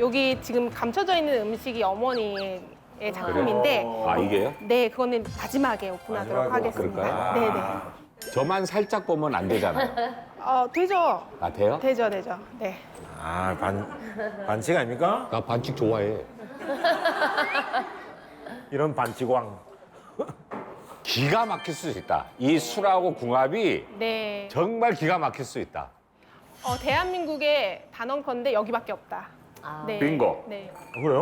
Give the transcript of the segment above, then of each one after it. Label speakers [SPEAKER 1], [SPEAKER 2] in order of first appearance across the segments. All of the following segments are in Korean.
[SPEAKER 1] 여기 지금 감춰져 있는 음식이 어머니의 작품인데
[SPEAKER 2] 아, 이게요?
[SPEAKER 1] 네, 그거는 마지막에 오픈하도록
[SPEAKER 3] 마지막에
[SPEAKER 1] 하겠습니다.
[SPEAKER 2] 그럴까요?
[SPEAKER 1] 네네.
[SPEAKER 2] 저만 살짝 보면 안 되잖아요.
[SPEAKER 1] 되죠.
[SPEAKER 2] 아, 돼요?
[SPEAKER 1] 되죠. 네.
[SPEAKER 3] 아, 반칙 아닙니까?
[SPEAKER 2] 나 반칙 좋아해.
[SPEAKER 3] 이런 반칙왕.
[SPEAKER 2] 기가 막힐 수 있다. 이 술하고 궁합이
[SPEAKER 1] 네.
[SPEAKER 2] 정말 기가 막힐 수 있다.
[SPEAKER 1] 대한민국의 단언컨대 여기밖에 없다. 네.
[SPEAKER 2] 빙고.
[SPEAKER 1] 네.
[SPEAKER 3] 그래요?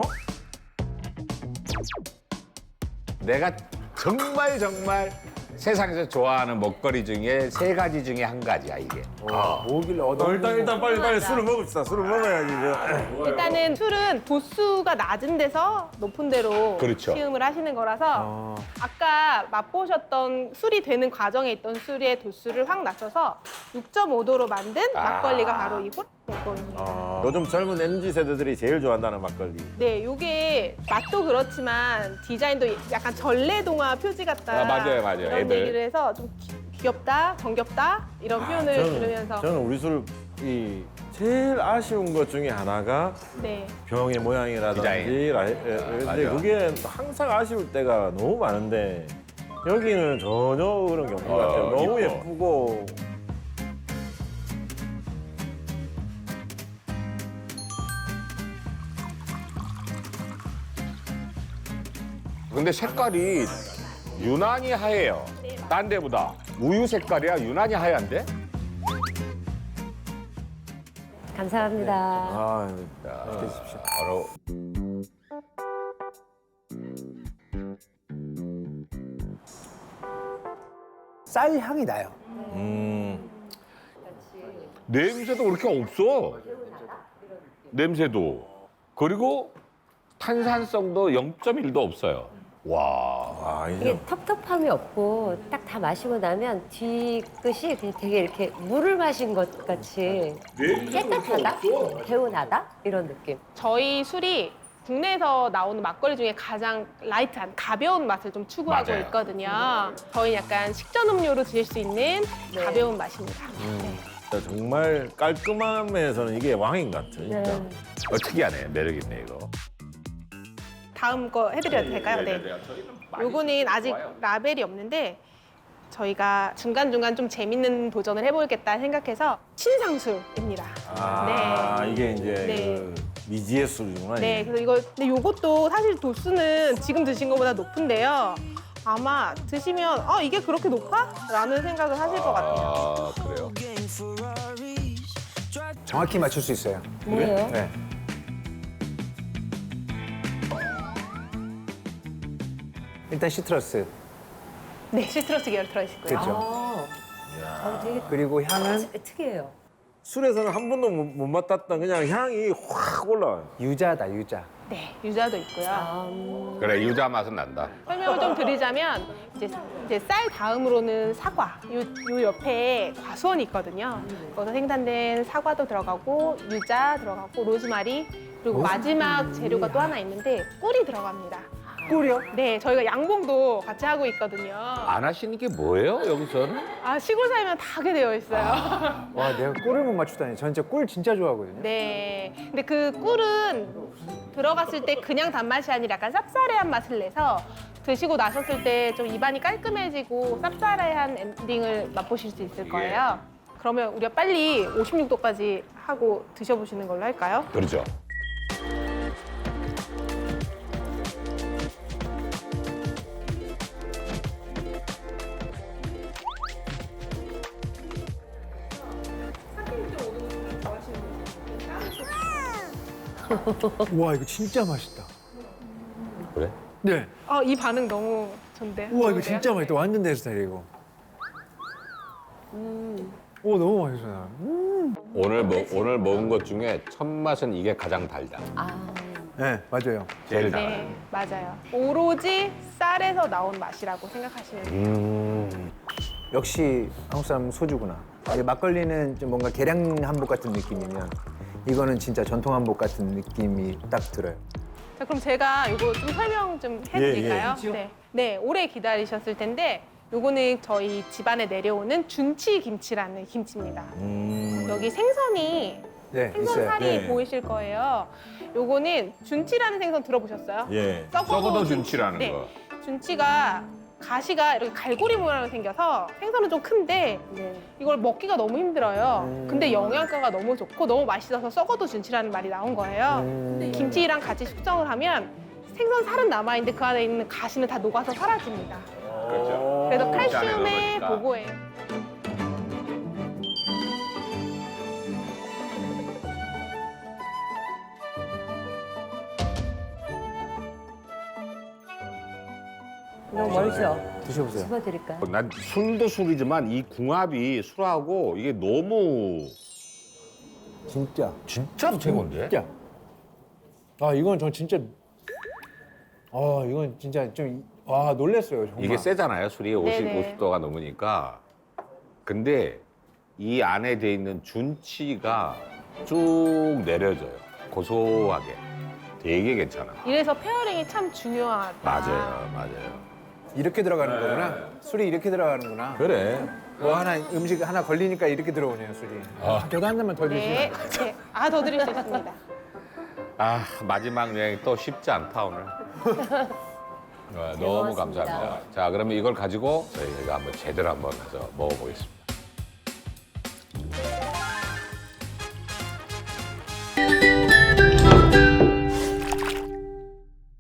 [SPEAKER 2] 내가 정말 세상에서 좋아하는 먹거리 중에 3가지 중에 한 가지야, 이게.
[SPEAKER 4] 뭐길래
[SPEAKER 3] 일단 빨리 술을 먹읍시다. 술을 먹어야지. 이제.
[SPEAKER 1] 일단은 술은 도수가 낮은 데서 높은 데로
[SPEAKER 2] 그렇죠.
[SPEAKER 1] 시음을 하시는 거라서 아까 맛보셨던 술이 되는 과정에 있던 술의 도수를 확 낮춰서 6.5도로 만든 막걸리가 바로 이 호랑이거든요.
[SPEAKER 3] 요즘 젊은 MZ 세대들이 제일 좋아한다는 막걸리.
[SPEAKER 1] 네, 요게 맛도 그렇지만 디자인도 약간 전래동화 표지 같다.
[SPEAKER 2] 아, 맞아요.
[SPEAKER 1] 이런
[SPEAKER 2] 애들.
[SPEAKER 1] 얘기를 해서 좀 귀엽다, 정겹다 이런 표현을 들으면서
[SPEAKER 3] 저는 우리 술이 제일 아쉬운 것 중에 하나가
[SPEAKER 1] 네.
[SPEAKER 3] 병의 모양이라든지
[SPEAKER 2] 디자인.
[SPEAKER 3] 근데
[SPEAKER 2] 맞아.
[SPEAKER 3] 그게 항상 아쉬울 때가 너무 많은데 여기는 전혀 그런 게 없는 것 같아요. 너무
[SPEAKER 2] 이뻐.
[SPEAKER 3] 예쁘고
[SPEAKER 2] 근데 색깔이 유난히 하얘요. 딴 데보다. 우유 색깔이야 유난히 하얀데?
[SPEAKER 5] 감사합니다.
[SPEAKER 3] 아,
[SPEAKER 2] 바로
[SPEAKER 4] 쌀 향이 나요.
[SPEAKER 2] 냄새도 그렇게 없어. 냄새도. 그리고 탄산성도 0.1도 없어요. 와.
[SPEAKER 5] 이게 텁텁함이 없고 딱 다 마시고 나면 뒤끝이 그냥 되게 이렇게 물을 마신 것 같이 깨끗하다, 개운하다 이런 느낌.
[SPEAKER 1] 저희 술이 국내에서 나오는 막걸리 중에 가장 라이트한 가벼운 맛을 좀 추구하고
[SPEAKER 2] 맞아요.
[SPEAKER 1] 있거든요. 저희 약간 식전 음료로 드실 수 있는
[SPEAKER 5] 네.
[SPEAKER 1] 가벼운 맛입니다. 네.
[SPEAKER 3] 정말 깔끔함에서는 이게 왕인 것 같아요. 진짜.
[SPEAKER 5] 네.
[SPEAKER 2] 특이하네. 매력 있네 이거.
[SPEAKER 1] 다음 거 해드려도 될까요? 네. 요거는 아직 라벨이 없는데 저희가 중간중간 좀 재밌는 도전을 해보겠다 생각해서 신상술입니다.
[SPEAKER 3] 아, 이게 이제
[SPEAKER 1] 네.
[SPEAKER 3] 그 미지의 술이구나.
[SPEAKER 1] 네,
[SPEAKER 3] 이게.
[SPEAKER 1] 그래서 근데 요것도 사실 도수는 지금 드신 것보다 높은데요. 아마 드시면 이게 그렇게 높아? 라는 생각을 하실 것 같아요.
[SPEAKER 2] 아, 그래요?
[SPEAKER 4] 정확히 맞출 수 있어요.
[SPEAKER 5] 뭐예요?
[SPEAKER 4] 네. 일단 시트러스.
[SPEAKER 1] 네, 시트러스 계열 들어있고요.
[SPEAKER 4] 그렇죠.
[SPEAKER 5] 되게
[SPEAKER 4] 그리고 향은
[SPEAKER 5] 특이해요.
[SPEAKER 3] 술에서는 한 번도 못 맡았던 그냥 향이 확 올라와요.
[SPEAKER 4] 유자다, 유자.
[SPEAKER 1] 네, 유자도 있고요.
[SPEAKER 2] 그래 유자 맛은 난다.
[SPEAKER 1] 설명을 좀 드리자면 이제 쌀 다음으로는 사과. 요 옆에 과수원이 있거든요. 거기서 생산된 사과도 들어가고 유자 들어가고 로즈마리 그리고 마지막 재료가 또 하나 있는데 꿀이 들어갑니다.
[SPEAKER 4] 꿀이요?
[SPEAKER 1] 네, 저희가 양봉도 같이 하고 있거든요.
[SPEAKER 2] 안 하시는 게 뭐예요 여기서는?
[SPEAKER 1] 시골 살면 다 하게 되어 있어요.
[SPEAKER 4] 와, 내가 꿀을 못 맞추다니. 전 진짜 꿀 진짜 좋아하거든요.
[SPEAKER 1] 네. 근데 그 꿀은 들어갔을 때 그냥 단맛이 아니라 약간 쌉싸래한 맛을 내서 드시고 나섰을 때 좀 입안이 깔끔해지고 쌉싸래한 엔딩을 맛보실 수 있을 거예요. 그러면 우리가 빨리 56도까지 하고 드셔보시는 걸로 할까요?
[SPEAKER 2] 그렇죠.
[SPEAKER 4] 와, 이거 진짜 맛있다.
[SPEAKER 2] 그래?
[SPEAKER 4] 네.
[SPEAKER 1] 이 반응 너무 좋은데.
[SPEAKER 4] 우와, 이거 진짜 맛있다. 완전 내 스타일이고. 오, 너무 맛있어요.
[SPEAKER 2] 오늘 먹은 것 중에 첫 맛은 이게 가장 달다.
[SPEAKER 4] 네, 맞아요.
[SPEAKER 2] 제일 달아.
[SPEAKER 1] 네, 맞아요. 오로지 쌀에서 나온 맛이라고 생각하시면 돼요.
[SPEAKER 4] 역시 한국 사람 소주구나. 이게 막걸리는 좀 뭔가 계량 한복 같은 느낌이면 이거는 진짜 전통 한복 같은 느낌이 딱 들어요.
[SPEAKER 1] 자, 그럼 제가 이거 좀 설명 좀 해드릴까요? 네. 네, 오래 기다리셨을 텐데 요거는 저희 집안에 내려오는 준치 김치라는 김치입니다. 여기 생선이
[SPEAKER 4] 네,
[SPEAKER 1] 생선
[SPEAKER 4] 있어요.
[SPEAKER 1] 살이
[SPEAKER 3] 네.
[SPEAKER 1] 보이실 거예요. 요거는 준치라는 생선 들어보셨어요?
[SPEAKER 3] 예.
[SPEAKER 2] 썩어도 준치라는
[SPEAKER 1] 네.
[SPEAKER 2] 거.
[SPEAKER 1] 준치가 가시가 이렇게 갈고리 모양으로 생겨서 생선은 좀 큰데
[SPEAKER 5] 네.
[SPEAKER 1] 이걸 먹기가 너무 힘들어요. 근데 영양가가 너무 좋고 너무 맛있어서 썩어도 준치라는 말이 나온 거예요. 김치랑 같이 숙성을 하면 생선 살은 남아있는데 그 안에 있는 가시는 다 녹아서 사라집니다.
[SPEAKER 2] 그렇죠.
[SPEAKER 1] 그래서
[SPEAKER 2] 김치 안에
[SPEAKER 1] 칼슘의
[SPEAKER 2] 넣으니까.
[SPEAKER 1] 보고예요.
[SPEAKER 5] 너무 멀죠?
[SPEAKER 4] 드셔보세요.
[SPEAKER 5] 집어드릴까요?
[SPEAKER 2] 난 술도 술이지만 이 궁합이 술하고 이게 너무
[SPEAKER 4] 진짜.
[SPEAKER 2] 진짜로 최고인데?
[SPEAKER 4] 진짜. 아, 이건 저 진짜. 아, 이건 진짜 좀. 와, 놀랬어요, 정말.
[SPEAKER 2] 이게 세잖아요. 술이
[SPEAKER 1] 네네.
[SPEAKER 2] 50도가 넘으니까. 근데 이 안에 돼 있는 준치가 쭉 내려져요. 고소하게. 되게 괜찮아.
[SPEAKER 1] 이래서 페어링이 참 중요하다.
[SPEAKER 2] 맞아요.
[SPEAKER 4] 이렇게 들어가는 거구나. 술이 이렇게 들어가는구나.
[SPEAKER 3] 그래.
[SPEAKER 4] 뭐 하나 음식 하나 걸리니까 이렇게 들어오네요, 술이. 저도 한 잔만 더
[SPEAKER 1] 네.
[SPEAKER 4] 주시면.
[SPEAKER 1] 네. 아, 더 드릴 수 있습니다.
[SPEAKER 2] 아, 마지막 여행 또 쉽지 않다, 오늘. 너무
[SPEAKER 5] 고맙습니다.
[SPEAKER 2] 감사합니다. 자, 그러면 이걸 가지고 저희가 한번 제대로 한번 해서 먹어보겠습니다.